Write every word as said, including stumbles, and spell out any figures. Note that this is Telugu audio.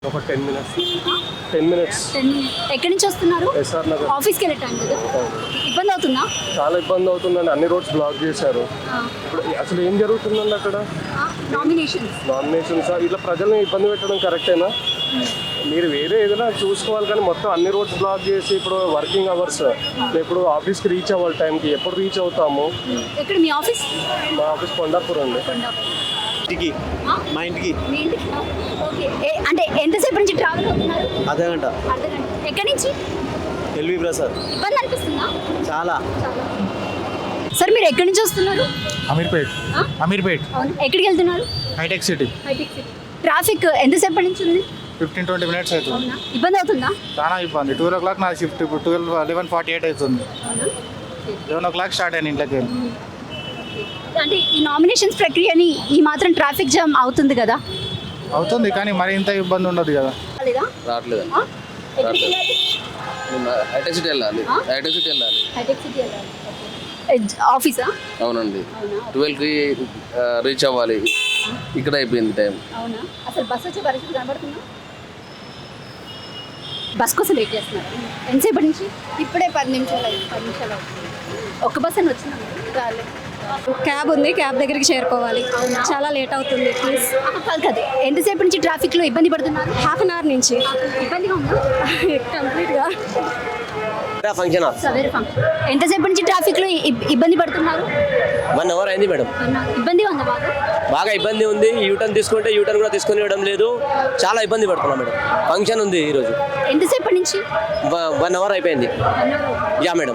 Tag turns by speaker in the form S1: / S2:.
S1: ఒక ten minutes ten minutes
S2: ten ఎక్కడి నుంచి వస్తున్నారు?
S1: ఎస్ఆర్ నగర్.
S2: ఆఫీస్కి వెళ్ళే టైం కదా, ఇబ్బంది అవుతుందా?
S1: చాలా ఇబ్బంది అవుతుందండి, అన్ని రోడ్స్ బ్లాక్ చేశారు. ఇప్పుడు అసలు ఏం జరుగుతుందండి అక్కడ?
S2: నామినేషన్స్
S1: నామినేషన్స్ ఇట్లా ప్రజల్ని ఇబ్బంది పెట్టడం కరెక్టేనా? మీరు వేరే ఏదైనా చూసుకోవాలి, కానీ మొత్తం అన్ని రోడ్స్ బ్లాక్ చేసి ఇప్పుడు వర్కింగ్ అవర్స్, ఇప్పుడు ఆఫీస్కి రీచ్ అవ్వాలి టైంకి, ఎప్పుడు రీచ్ అవుతాము?
S2: ఎక్కడ మీ ఆఫీస్?
S1: మా ఆఫీస్ కొండాపూర్ అండి.
S3: ఇంటికి మా ఇంటికి
S2: మీ ఇంటికి? ఓకే. ఏ- అంటే ఎంతసేపు నుంచి ట్రావెల్ అవుతున్నారు?
S3: అదే గంట
S2: అర్ధ గంట. ఎక్కడి నుంచి?
S3: ఎల్వి ప్రసాద్
S2: ఇబ్బంది అనిపిస్తుందా?
S3: చాలా
S2: సార్ మీరు ఎక్కడి నుంచి వస్తున్నారు?
S4: అమీర్పేట్
S2: ఆ?
S4: అమీర్పేట్
S2: అవును, ఎక్కడికి వెళ్తున్నారు?
S4: Hitech City
S2: Hitech City. Traffic ఎంతసేపటి నుంచి ఉంది?
S4: ఫిఫ్టీన్ ట్వంటీ మినిట్స్ అవుతుంది.
S2: అవునా, ఇబ్బంది అవుతుందా?
S4: చాలా ఇబ్బంది. ట్వెల్వ్ ఓ క్లాక్ నా షిఫ్ట్, ఇప్పుడు ట్వెల్వ్ లెవెన్ ఫార్టీ ఎయిట్ అవుతుంది.
S2: అవునా.
S4: లెవెన్ ఓ క్లాక్ స్టార్ట్ అయ్యాను ఇంట్లోకి వెళ్ళి.
S2: అంటే ఈ నామినేషన్స్ ప్రక్రియని ఈ మాత్రం ట్రాఫిక్ జామ్ అవుతుంది కదా?
S4: అవుతుంది, కానీ మరి ఇంత ఇబ్బంది ఉండదు కదా.
S2: లేదా?
S5: రావట్లేదు
S2: ఆ? ఎక్కడికి వెళ్ళాలి?
S5: హైటెక్ సిటీ వెళ్ళాలి
S2: ఆ?
S5: హైటెక్ సిటీ వెళ్ళాలి
S2: హైటెక్ సిటీ వెళ్ళాలి. ఓకే. ఎజ్- ఆఫీసా?
S5: అవునండి
S2: అవునా.
S5: ట్వెల్వ్కి రీచ్ అవ్వాలి, ఇక్కడ అయిపోయింది టైం.
S2: అవునా. అసలు బస్ వచ్చే పరిస్థితి కనబడుతుందా? బస్ కోసం వెయిట్ చేస్తున్నారు ఎంతసేపటి నుంచి?
S6: ఇప్పుడే పది నిమిషాలు అయింది.
S2: పది నిమిషాలు అవుతుంది. ఒక్క బస్ అని వచ్చినాము.
S6: రాలేదు. క్యాబ్ ఉంది, క్యాబ్ దగ్గరికి చేరుకోవాలి. చాలా లేట్ అవుతుంది. ప్లీజ్.
S2: కాదు కదా, ఎంతసేపు నుంచి ట్రాఫిక్లో ఇబ్బంది పడుతున్నారు?
S6: హాఫ్ అన్ అవర్ నుంచి
S2: ఇబ్బందిగా ఉందా?
S6: కంప్లీట్గా
S7: ఫంక్షన్
S2: సవేరే ఫంక్షన్. ఎంతసేపు నుంచి ట్రాఫిక్లో ఇబ్- ఇబ్బంది పడుతున్నారు?
S7: వన్ అవర్ అయింది మేడం.
S2: ఇబ్బందిగా ఉందా బాగా?
S7: బాగా ఇబ్బంది ఉంది. యూటర్న్ తీసుకుంటే యూటర్న్ కూడా తీసుకొని ఇవ్వడం లేదు. చాలా ఇబ్బంది పడుతున్నాం మేడం. ఫంక్షన్ ఉంది ఈరోజు.
S2: ఎంతసేపటి నుంచి?
S7: వన్ అవర్ అయిపోయింది.
S2: One hour అవుతుందా?
S7: Yeah madam.